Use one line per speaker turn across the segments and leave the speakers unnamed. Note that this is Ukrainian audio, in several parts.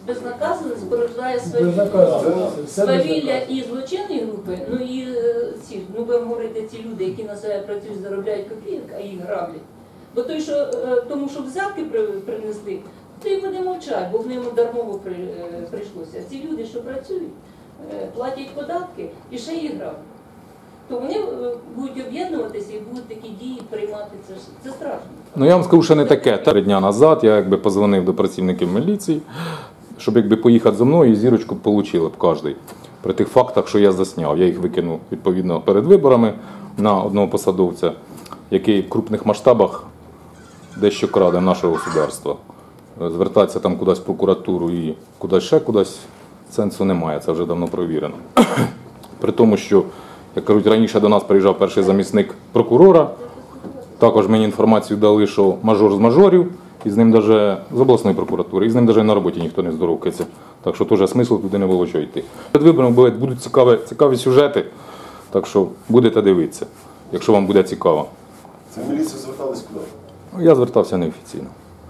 безнаказаність порождає свавілля і злочинної групи, ну і ці, ну будемо говорити, ці люди, які на себе працюють, заробляють копійок, а їх граблять. Бо той, що, тому що взятки принесли, то й буде мовчати, бо в ньому дармово прийшлося. Ці люди, що працюють, платять податки і ще їх граблять. То вони будуть об'єднуватися і будуть такі дії приймати, це страшно.
Ну я вам скажу, що не таке. 3 дні назад я якби позвонив до працівників міліції, щоб якби поїхати зі мною і зірочку отримали б кожен. При тих фактах, що я засняв. Я їх викинув відповідно перед виборами на одного посадовця, який в крупних масштабах дещо краде нашого государства. Звертатися там кудись в прокуратуру і кудись ще кудись сенсу немає, це вже давно провірено. При тому, що, як кажуть, раніше до нас приїжджав перший замісник прокурора, також мені інформацію дали, що мажор з мажорів, і з ним навіть з обласної прокуратури, і з ним навіть на роботі ніхто не здоровкається. Так що теж смислу туди не було що йти. Перед виборами будуть цікаві сюжети, так що будете дивитися, якщо вам буде цікаво.
Це в міліцію звертались куди?
Я звертався неофіційно.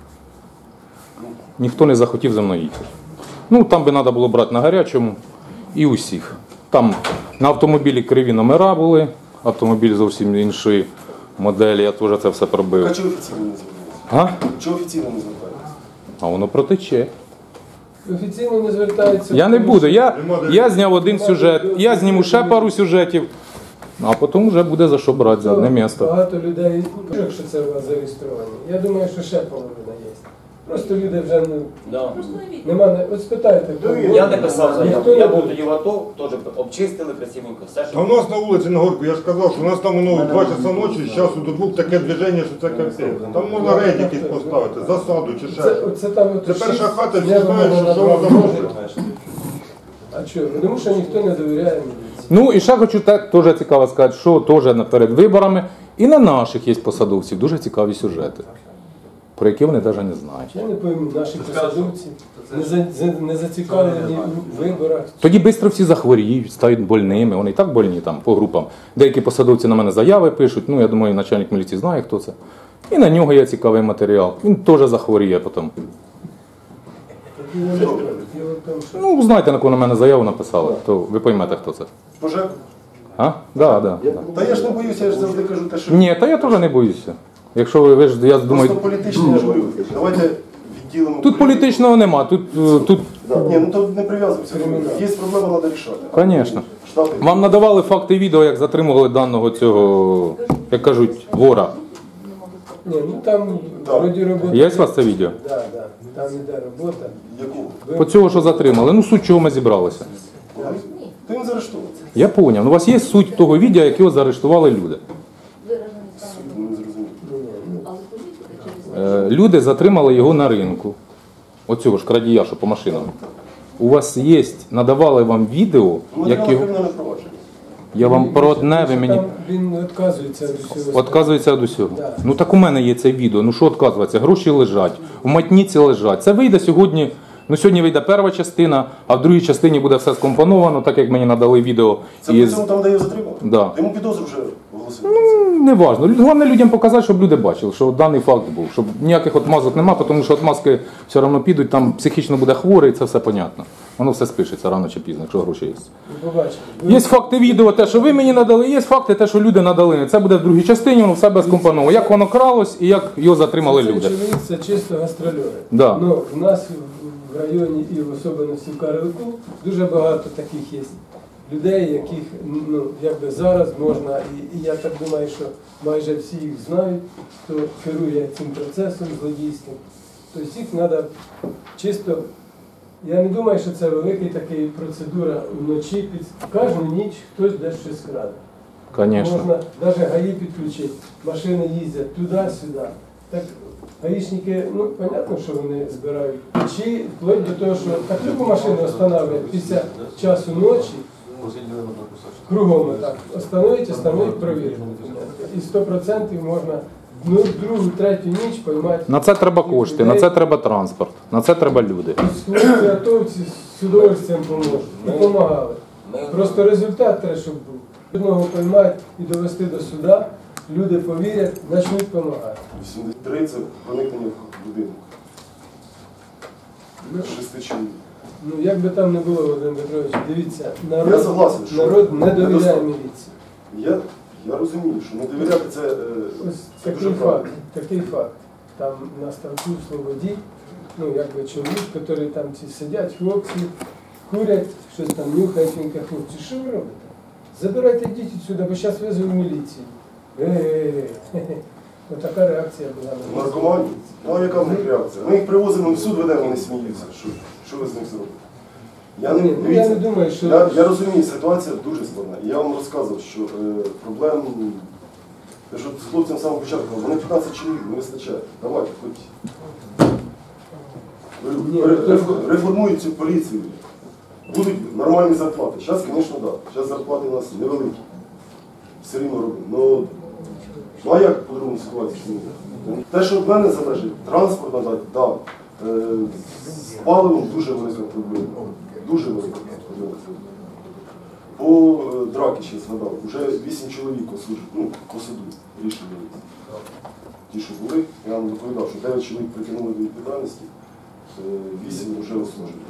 Ніхто не захотів за мною їхати. Ну, там би треба було брати на гарячому і усіх. Там на автомобілі криві номера були, автомобіль зовсім іншої моделі, я теж це все пробив.
А чого офіційно не звертались? Чого офіційно не звертались?
А воно протече.
Офіційно не звертаються.
Я не буду, я зняв один сюжет, я зніму ще пару сюжетів, а потім вже буде за що брати, за одне місце.
Багато людей, якщо це у вас зареєстровані, я думаю, що ще половина є. Просто люди вже немає. От спитайте, хто.
Я не писав заяву, я був тоді в АТО, теж обчистили красивенько, все, що...
А у нас на вулиці на Горку, я ж казав, що у нас там воно в 2 часа ночі, з часу до 2 таке движення, що це капець. Там можна рейд якийсь поставити, засаду чи ще. Це перша хата, всі знають, що воно там робить.
А чого? Тому що ніхто не довіряє міліції.
Ну і ще хочу теж цікаво сказати, що теж перед виборами і на наших є посадовців дуже цікаві сюжети, про які вони навіть не знають.
Я не пойму, наші посадовці не зацікавлені в виборах.
Тоді швидко всі захворіють, стають больними, вони і так больні там по групам. Деякі посадовці на мене заяви пишуть, ну я думаю, начальник міліції знає, хто це. І на нього є цікавий матеріал, він теж захворіє потім. Ну, знаєте, на кого на мене заяву написали, то ви поймете, хто це.
Пожежа?
А? Да.
Та я ж не боюся, я ж завжди кажу те, що...
Ні, та я теж не боюся. Якщо ви ж, я думаю...
Просто політичні, я ж говорю. Давайте відділимо...
Тут політичного нема, тут...
Ні, ну тут не прив'язуємося. Є проблема, треба рішати.
Звісно. Вам надавали факти відео, як затримували даного цього, як кажуть, вора.
Ні, ну там вроді робота...
Є у вас це відео?
Так, там іде робота.
Яку?
По цього, що затримали. Ну, суть чого ми зібралися.
То він заарештований.
Я зрозумів. Ну, у вас є суть того відео, якого заарештували люди.
Не зрозумів.
Люди затримали його на ринку. Оцього ж крадія, що по машинам. У вас є, надавали вам відео, як його... Я вам про одне, ви мені...
Він відказується від усього.
Відказується від усього? Ну так у мене є це відео. Ну що відказуватися? Гроші лежать, в матніці лежать. Це вийде сьогодні, ну сьогодні вийде перша частина, а в другій частині буде все скомпоновано, так як мені надали відео.
Це по цьому там, де його затримали?
Да.
Йому підозру вже оголосили?
Ну, не важно. Головне людям показати, щоб люди бачили, що даний факт був. Щоб ніяких отмазок немає, тому що отмазки все одно підуть, там психічно буде хворий, це все понятно. Воно все спишеться рано чи пізно, якщо гроші є. Є факти відео, те, що ви мені надали, є факти, те, що люди надали. Це буде в другій частині, воно все безкомпоновано. Як воно кралось і як його затримали люди.
Це чоловік, це чисто гастрольори.
Да.
Ну, в нас в районі і в особливості в Карлику дуже багато таких є людей, яких ну, якби зараз можна, і я так думаю, що майже всі їх знають, хто керує цим процесом злодійським. Тобто їх треба чисто... Я не думаю, що це велика така процедура вночі. Кожну ніч хтось десь щось краде.
Конечно.
Можна навіть ГАІ підключити. Машини їздять туди-сюди. Так гаїшники, ну, понятно, що вони збирають. Чи вплоть до того, що таку машину встановлюють після часу ночі, кругом так, остановить, провірити. І 100% можна другу, третю ніч поймати.
На це треба кошти, на це треба транспорт, на це треба люди.
Готовці з удовольствием поможуть. І допомагали. Просто результат треба, щоб був. Одного поймати і довести до суда, люди повірять, почнуть допомагати.
83 – це проникнення в будинок. 6 чоловік.
Ну, як би там не було, Володимир Петрович, дивіться,
Я согласен, що
народ не довіряє
недостатньо.
міліції.
Я розумію, що не довіряти це
Ось
це
такий
дуже правильно.
такий факт. Там на ставку Слободі, ну, якби чоловік, який там ці сидять, хлопці, курять, щось там нюхають, він каже, хлопці, що ви робите? Забирайте дітей сюди, бо зараз визову міліцію. Отака реакція була.
Наркомані? Ну а яка в них реакція? Ми їх привозимо в суд, ведемо, вони сміються. Що ви з них зробите? Я не,
Ні, ну,
дивіться,
я не думаю, що...
я розумію, ситуація дуже складна. І я вам розказував, що проблем, я що з хлопцем з самого початку, вони 15 чоловік, не вистачає. Давайте, хоч. Реформують цю поліцію. Будуть нормальні зарплати. Зараз, звісно, так. Зараз зарплати у нас невеликі. Все рівно робимо. Ну а як по-другому ситуацію змінити? Те, що від мене залежить, транспорт надати, так. З паливом дуже велика проблема. Дуже велика проблема. По драки ще згадав, вже 8 чоловік по суду рішення. Ті, що були, я вам доповідав, що 9 чоловік притягнули до відповідальності, 8 вже ослужили.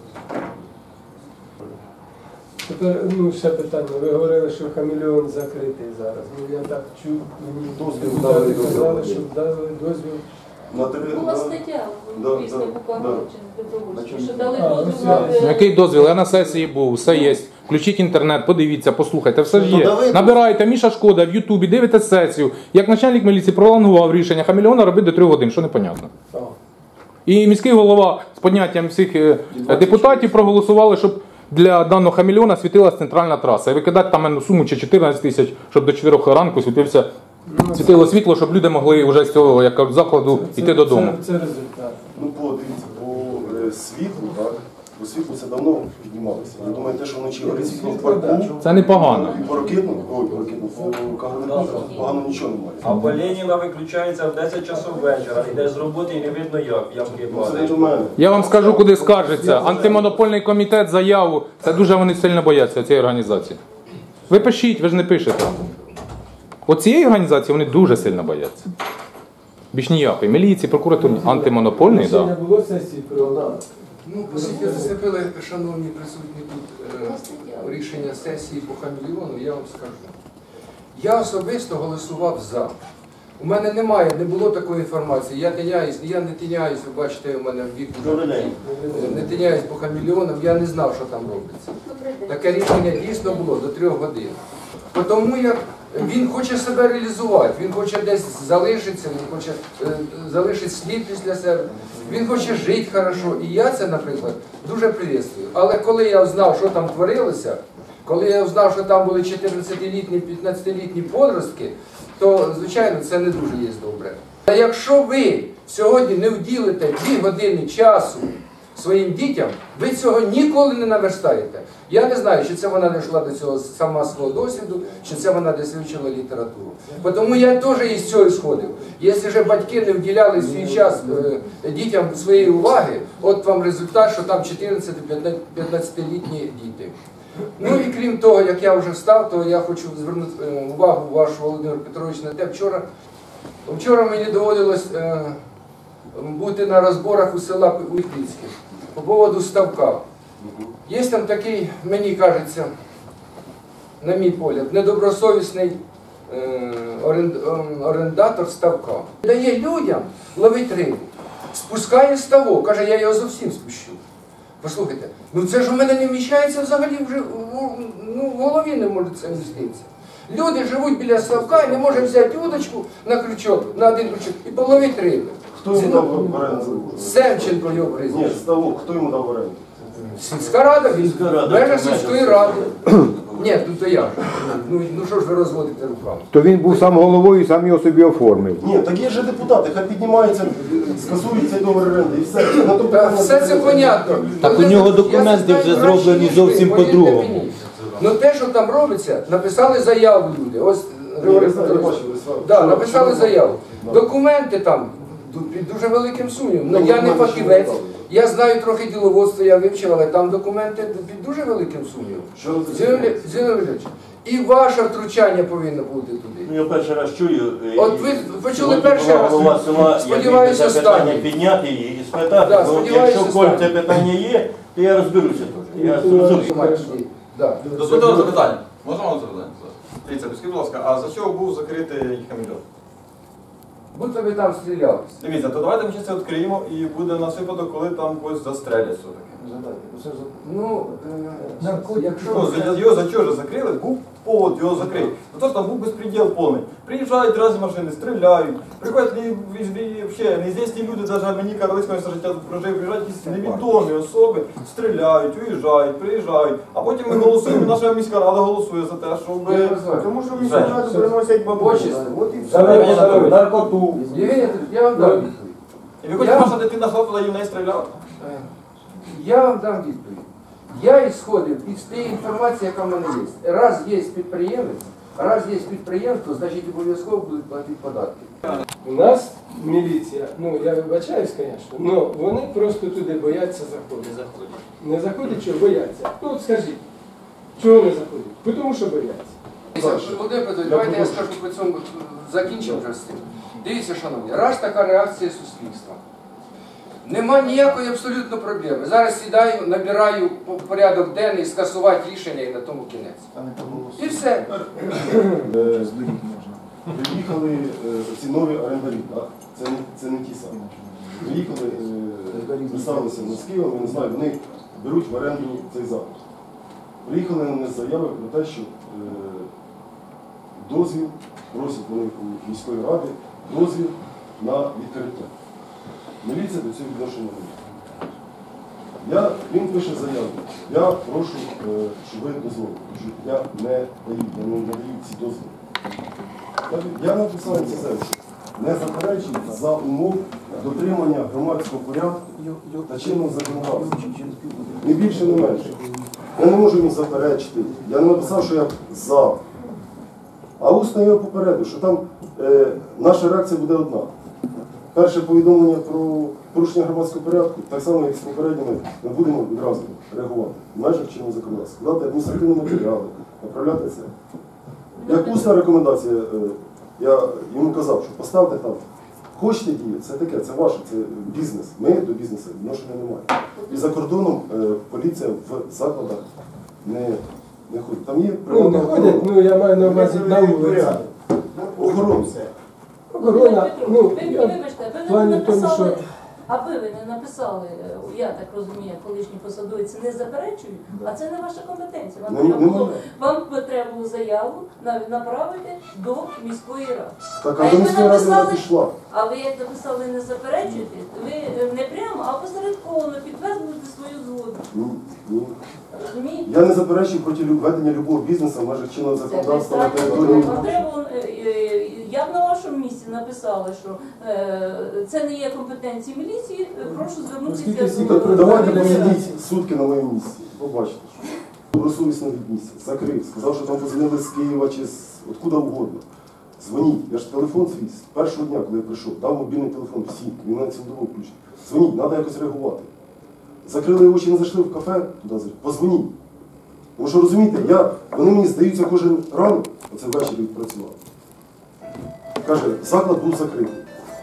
Тепер, ще питання. Ви говорили, що хамелеон закритий зараз. Ну, я так чув, мені
Дозвіл
депутати
дали,
казали,
дозвіл.
що дали дозвіл.
Була стаття після Букагорчини, Добровольської, що дали
А,
дозвіл
ось
на...
Який дозвіл? Я на сесії був, все є. Включіть інтернет, подивіться, послухайте, все ж є. Набираєте Міша Шкода в Ютубі, дивитесь сесію. Як начальник міліції пролонгував рішення хамелеона робити до 3 годин, що непонятно. І міський голова з підняттям всіх депутатів проголосували, щоб для даного хамелеона світилась центральна траса. І викидати там суму чи 14 тисяч, щоб до 4 ранку світило світло, щоб люди могли вже з цього як закладу йти додому.
Це результат.
Ну, дивіться, по світлу, так, по світлу це давно піднімалося. Я думаю, те, що вночі горить світло в парку,
Це непогано.
і по ракетному, по Кагарлику погано нічого немає.
А по Леніна виключається в 10 часов вечора, йдеш з роботи і не видно як
Це не
падають.
до мене.
Я вам скажу, куди скаржиться. Антимонопольний комітет, заяву. Це дуже вони сильно бояться цієї організації. Ви пишіть, ви ж не пишете. От цієї організації вони дуже сильно бояться. Більш ніякої. Міліції, прокуратури, антимонопольний,
Ще
так.
не було сесії про
Ну, оскільки зацепили, шановні присутні тут рішення сесії по хамелеону, я вам скажу. Я особисто голосував за. У мене не було такої інформації. Я не тиняюсь, ви бачите, у мене вік не тиняюсь по хамелеонам, я не знав, що там робиться. Таке рішення дійсно було до 3 годин. Тому як він хоче себе реалізувати, він хоче десь залишитися, він хоче залишити слід після себе, він хоче жити хорошо. І я це, наприклад, дуже приветствую. Але коли я знав, що там творилося, коли я знав, що там були 14-літні, 15-літні подростки, то, звичайно, це не дуже є добре. А якщо ви сьогодні не вділите 2 години часу своїм дітям, ви цього ніколи не наверстаєте. Я не знаю, чи це вона не йшла до цього сама свого досвіду, чи це вона десь вивчила літературу. Тому я теж із цього сходив. Якщо ж батьки не вділяли свій час дітям своєї уваги, от вам результат, що там 14-15-літні діти. Ну і крім того, як я вже встав, то я хочу звернути увагу вашу, Володимир Петрович, на те, вчора мені доводилось бути на розборах у села Уйпільське по поводу ставка. Є там такий, мені кажеться, на мій погляд, недобросовісний орендатор ставка. Дає людям ловити рибу, спускає ставок, каже, я його зовсім спущу. Послухайте, ну це ж у мене не вміщається взагалі вже, в голові не може це вміститися. Люди живуть біля ставка і не можуть взяти удочку на крючок, на один крючок і половити риби.
Хто йому дав в оренду? Семченко
його
прізвище. Ні, ставок, хто йому дав в оренду?
Сільська рада, він в межах сільської ради. Ні, ну то як? Ну що ж ви розводите руками?
То він був сам головою і сам його собі оформив.
Ні, так є ж депутати, хай піднімаються, скасують цей договір оренди і все.
Все це понятно.
Так у нього документи вже зроблені зовсім по-другому.
Ну те, що там робиться, написали заяву люди. Ось написали заяву. Документи там під дуже великим сумнівом. Я не фахівець.
Я знаю трохи діловодства, я вивчив, але там документи під дуже великим сумнівом. Зіновій Валерійович, і ваше втручання повинно бути туди.
Ну, я перший раз чую.
От ви почули перший раз.
Голова села,
Сподіваюся,
я питання
останній.
підняти і спитати.
Да,
Ну,
сподіваюся,
якщо коль це
останній.
питання є, то я розберуся теж. Я зрозумів.
Да.
Дозвольте вам запитання. Можна вам запитання? Дивіться, скажіть, будь ласка, а за що був закритий Хамільон?
Будто ви там стрілялися.
Дивіться, то давайте ми ще це відкриємо і буде на випадок, коли там когось застрелять все-таки.
Ну, якщо...
Ну, його за чого ж закрили? Був повод його закрити. Ну то ж там був безпреділ повний. Приїжджають разні машини, стріляють. Приходять взагалі неізвісні люди, навіть мені колись моє життя тут прожив, приїжджають якісь невідомі особи, стріляють, уїжджають, приїжджають. А потім ми голосуємо, наша міська рада голосує за те, щоб...
Тому що міську раду приносять бабусі. От і все.
Наркоту.
Євгеній, я вам дам відповідь.
І ви хочете, ваша дитина йшла туди і в неї стріляла?
Я вам дам відповідь. Я ісходив із тієї інформації, яка в мене є. Раз є підприємство, значить обов'язково будуть платити податки.
У нас міліція, ну я вибачаюсь, звісно, але вони просто туди бояться заходити. Не заходять, що бояться. Ну от скажіть, чого не заходять? Тому що бояться.
Володимир Петрович, давайте я скажу по цьому, закінчимо вже з цим. Дивіться, шановні, раз така реакція суспільства. Нема ніякої абсолютно проблеми. Зараз сідаю, набираю порядок денний, скасувати рішення і на тому кінець. І все.
Приїхали ці нові орендарі, так? Це не ті самі. Приїхали, представилися з Києва, я не знаю, вони беруть в оренду цей заклад. Приїхали на мене заяви про те, що дозвіл, просять вони у міської ради, дозвіл на відкриття. Міліція до цього відношення не має. Він пише заяву. Я прошу, щоб ви дозволили. Я не даю ці дозволи. Я написав це заяву, що не заперечую за умов дотримання громадського порядку та чинного законодавства. Не більше, не менше. Я не можу їм заперечити. Я не написав, що я за. А усно я попередив, що там наша реакція буде одна. Перше повідомлення про порушення громадського порядку, так само, як з попередніми, ми будемо відразу реагувати. В межах чинного законодавства. Складати адміністративні матеріали, направляти це. Як усна рекомендація, я йому казав, що поставте там, хочете діяти, це таке, це ваше, це бізнес. Ми до бізнесу відношення не маємо. І за кордоном поліція в закладах не ходить. Там є
Ну не ходять, ну я маю на увазі на вулиці.
охорони.
Охорона, ну,
Вибачте, ви
в плані
не
тому,
написали,
що...
аби ви не написали, я так розумію, колишні посадовці не заперечують, а це не ваша компетенція. Вам треба було заяву направити до міської ради.
Так, а до міської ради вона пішла.
А ви як написали не заперечуєте, ви не прямо, а посередковано підтверджуєте свою згоду.
Ні.
Розумієте?
Я не заперечую проти ведення любого бізнесу в межах чинного законодавства на території.
Я б на вашому місці написала, що це не є компетенції міліції, прошу звернутися до...
Давайте посидіть сутки на моєму місці, побачите, що добросовісно віднісся, закрив, сказав, що там позвонили з Києва чи откуда угодно. Дзвоніть, я ж телефон свій з першого дня, коли я прийшов, дав мобільний телефон всім, він на цілодобово включений. Дзвоніть, треба якось реагувати. Закрили очі, не зайшли в кафе, туди позвоніть. Тому що розумієте, вони мені здаються кожен ранок, оце ввечері відпрацював. Каже, заклад був закритий.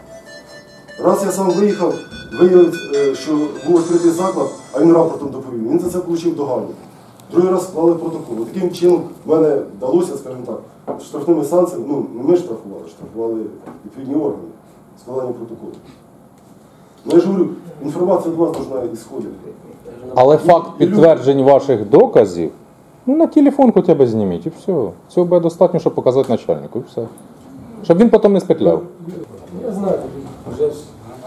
Раз я сам виїхав, виявив, що був відкритий заклад, а він рапортом доповів. Він за це отримав догану. Другий раз склали протокол. Таким чином в мене вдалося, скажімо так, штрафними санкціями, ну не ми штрафували відповідні органи, складання протоколу. Ну я ж говорю, інформація від вас повинна ісходити.
Але факт підтверджень ваших доказів, ну на телефон хоча б зніміть і все. Цього буде достатньо, щоб показати начальнику і все. Щоб він потім не спетляв.
Я знаю, вже ж.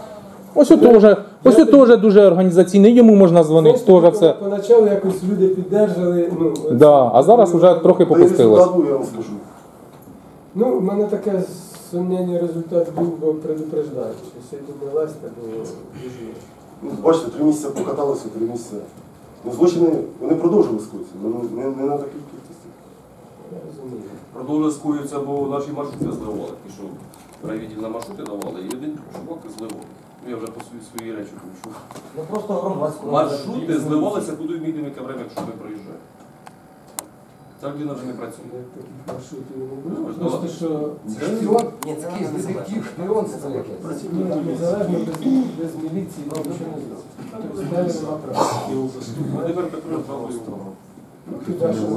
Ось теж дуже організаційний, йому можна дзвонити, теж все.
Поначалу якось люди піддержали, ну...
Да, а зараз вже трохи попустилось.
Я вам скажу.
Ну, в мене таке сумнівний результат був, бо предупреждаю, що сьогодні не лазьте, бо біжу.
Ну, бачите, 3 місяці покаталися, 3 місяці. Ну, злочини, вони продовжили скоїтися, але не на такій кількості.
Я розумію.
Продовжує скоюється, бо наші маршрути зливали. Пішов райвідділ на маршрути давали, і один чувак зливав.
Я вже по свої речі почув.
Ну просто громадську.
Маршрути зливалися куди в яке время, якщо ми проїжджаємо. Ця людина вже не працює.
Маршрутів не було. Просто що
Шпіон? Ні, це якийсь детектив, шпіон це якесь.
незалежно без міліції нічого не зробить. Тобто в мене нема права.
А тепер Петро правою.
Хіба що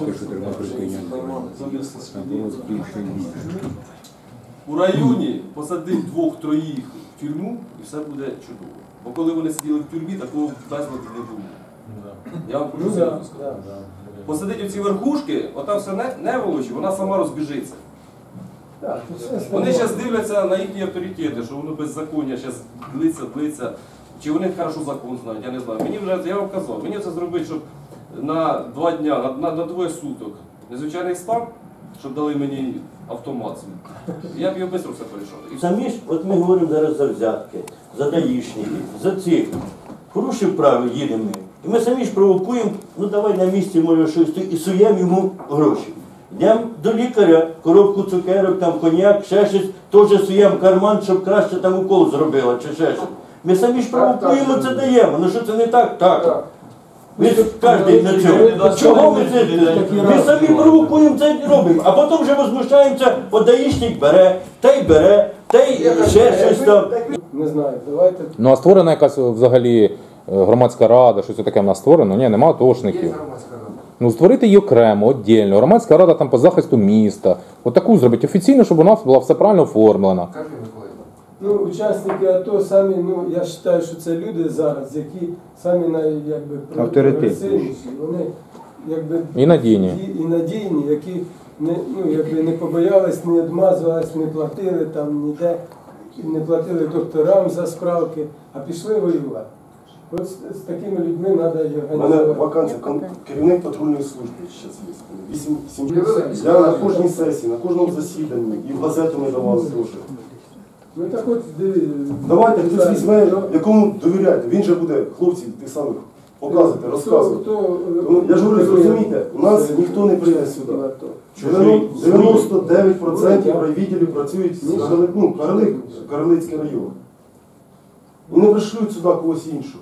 У районі посадив 2-3 в тюрму і все буде чудово. Бо коли вони сиділи в тюрмі, такого безладу не було. Я вам кажу серйозно сказати. Посадить оці верхушки, ота все не волочі, вона сама розбіжиться. Вони зараз дивляться на їхні авторитети, що воно беззаконня зараз длиться. Чи вони хорошо закон знають, я не знаю. Мені вже, я вам казав, мені це зробити, щоб на 2 дня, на 2 суток незвичайний стан, щоб дали мені автомат. Я б його швидко все порішав.
Самі ж, от ми говоримо зараз за взятки, за даїшників, за цих. Порушив право, їдемо ми. І ми самі ж провокуємо, ну давай на місці, може, щось, і суємо йому гроші. Йдемо до лікаря, коробку цукерок, там коньяк, ще щось, теж суємо карман, щоб краще там укол зробила, чи ще щось. Ми самі ж провокуємо, це даємо. Ну що це не так? Так. Ми ж кожен на цьому. Чого ми це? Ми самі провокуємо це і робимо. А потім вже возмущаємося, от даїшник бере, та й ще щось там.
Не знаю, давайте.
Ну а створена якась взагалі громадська рада, щось таке в нас створено? Ні, нема атошників. Ну створити її окремо, віддільно. Громадська рада там по захисту міста. Отаку зробити офіційно, щоб вона була все правильно оформлена.
Ну, учасники АТО самі, ну, я вважаю, що це люди зараз, які самі прогресивніші, вони якби
І надійні.
І надійні, які не побоялись, не відмазувались, не платили там ніде, не платили докторам за справки, а пішли воювати. От з такими людьми треба і
У мене
організувати.
вакансія, керівник патрульної служби зараз є. Я на кожній сесії, на кожному засіданні, і в газету ми давали теж.
Ну так от,
Давайте хтось візьме, якому довіряєте. Він же буде хлопців тих самих показувати, розказувати. Я ж говорю, зрозумійте, у нас ніхто не прийде сюди. 99% райвідділів працюють Карлицький район. І не пришлють сюди когось іншого.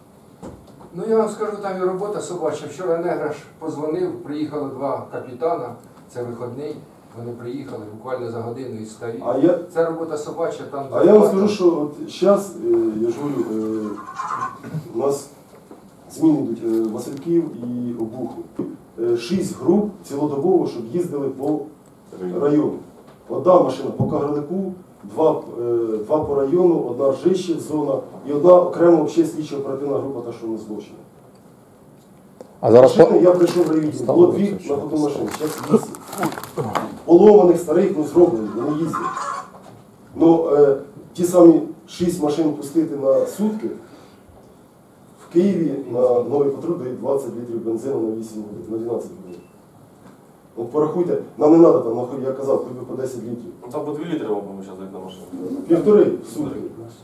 Ну я вам скажу, там і робота собача. Вчора Неграш позвонив, приїхали 2 капітана, це вихідний. Вони приїхали буквально за годину і стають. Це робота собача, там...
А я вам скажу, що зараз, я ж говорю, у нас зміни йдуть Васильків і Обухів. 6 груп цілодобово, щоб їздили по району. Одна машина по Кагарлику, 2 по району, 1 Ржищів зона і 1 окремо слідчо оперативна група, та що не злочина.
А зараз
машини, я прийшов в райвідділ, було 2 на ходу машин, зараз 8. Поломаних, старих, зроблені, вони їздять. Ну, ті самі 6 машин пустити на сутки, в Києві на новий патруль дають 20 літрів бензину на 8 годин, на 12 годин. От порахуйте, нам не треба там, я казав, хоч би по 10 літрів.
Ну там по 2 літри вам зараз дають на машину.
1,5 в сутки.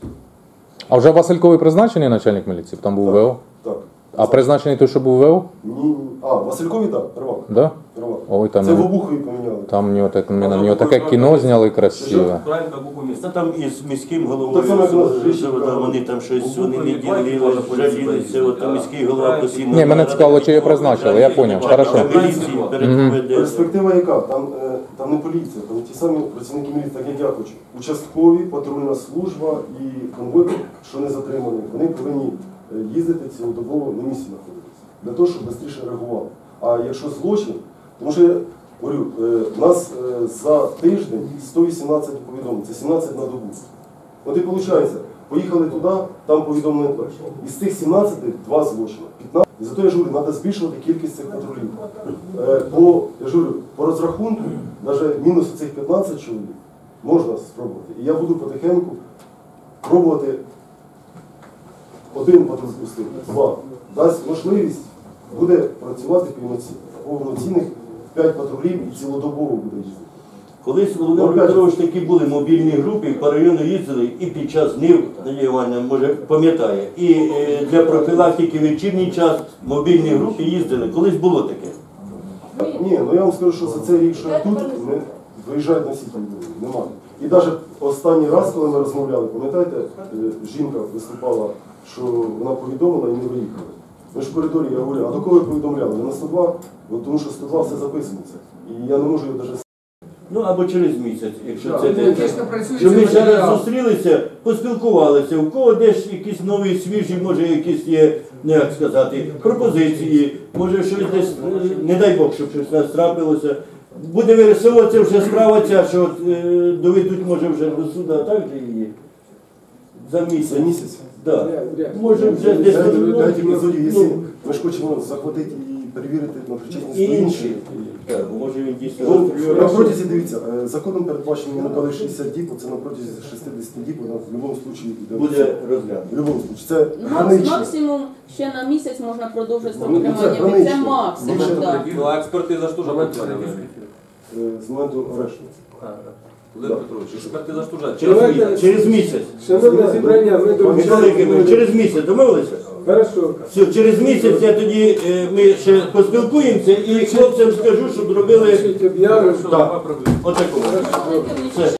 А вже Васильковий призначений начальник міліції? Там був ВО?
Так.
А призначений той, що був ВО?
Ні. А, Василькові так, Первак.
Да?
Ой,
там,
це в Обухові поміняли.
Там на нього таке кіно зняли красиве.
Це там із міським головою, вони там щось, вони не ділили, жалілися, от там міський голова постійно...
Ні, мене цікаво, чи його призначили, я зрозумів, хорошо.
Перспектива яка? Там не поліція, там ті самі працівники міліції, так як я хочу. Участкові, патрульна служба і конвой, що не затримані, вони повинні їздити цілодобово на місці знаходитися, для того, щоб швидше реагували. А якщо злочин, тому що я говорю, у нас за тиждень 118 повідомлень, це 17 на добу. От і виходить, поїхали туди, там повідомлення. Із тих 17 2 злочини, 15. І зато я ж говорю, треба збільшувати кількість цих патрулів. Я ж говорю, по розрахунку, навіть мінус цих 15 чоловік можна спробувати. І я буду потихеньку пробувати 1 патруль пустити, 2. Дасть можливість, буде працювати повноцінних 5 патрулів і цілодобово буде їздити.
Колись, Володимир Петрович, такі були мобільні групи, по району їздили і під час днів, Надія Іванівна, може, пам'ятає, і для профілактики в вечірній час мобільні групи їздили. Колись було таке.
Ні, ну я вам скажу, що за цей рік, що я тут, виїжджають на сіті, немає. І навіть останній раз, коли ми розмовляли, пам'ятаєте, жінка виступала, що вона повідомила і не виїхали. Ми ж в коридорі, я говорю, а до кого ви повідомляли? Не на 102? Бо тому що 102 все записується. І я не можу його навіть...
Ну або через місяць, якщо
Так.
це не
Дійсно працює
що ми
цей
ще раз
матеріал.
зустрілися, поспілкувалися, у кого десь якісь нові, свіжі, може якісь є, не як сказати, пропозиції, може щось десь, не дай Бог, щоб щось нас трапилося. Буде вирисовуватися вже справа ця, що от, доведуть, може, вже до суду, а так же її. За місяць.
За місяць?
Да. Може вже десь...
Дайте епізодів, якщо ми ж хочемо захватити і перевірити на причетність до інших.
Так, може він дійсно...
Ну, на протязі, дивіться, законом передбачено, ми дали 60 діб, це на протязі 60 діб, вона в будь-якому випадку
буде розглянуто.
В будь-якому випадку. Це гранично.
Максимум ще на місяць можна продовжити строк
Ну, це
тримання. Це
гранично.
максимум, так.
Ну, а експертиза ж теж працює.
З моменту арешту.
Володимир Петрович, експертиза ж теж.
Через місяць.
Шановне зібрання, ми
Михайло, через місяць домовилися?
Хорошо.
Все, через місяць я тоді, ми ще поспілкуємося і хлопцям скажу, щоб робили...
Об'яви,
Так, отаку. Все.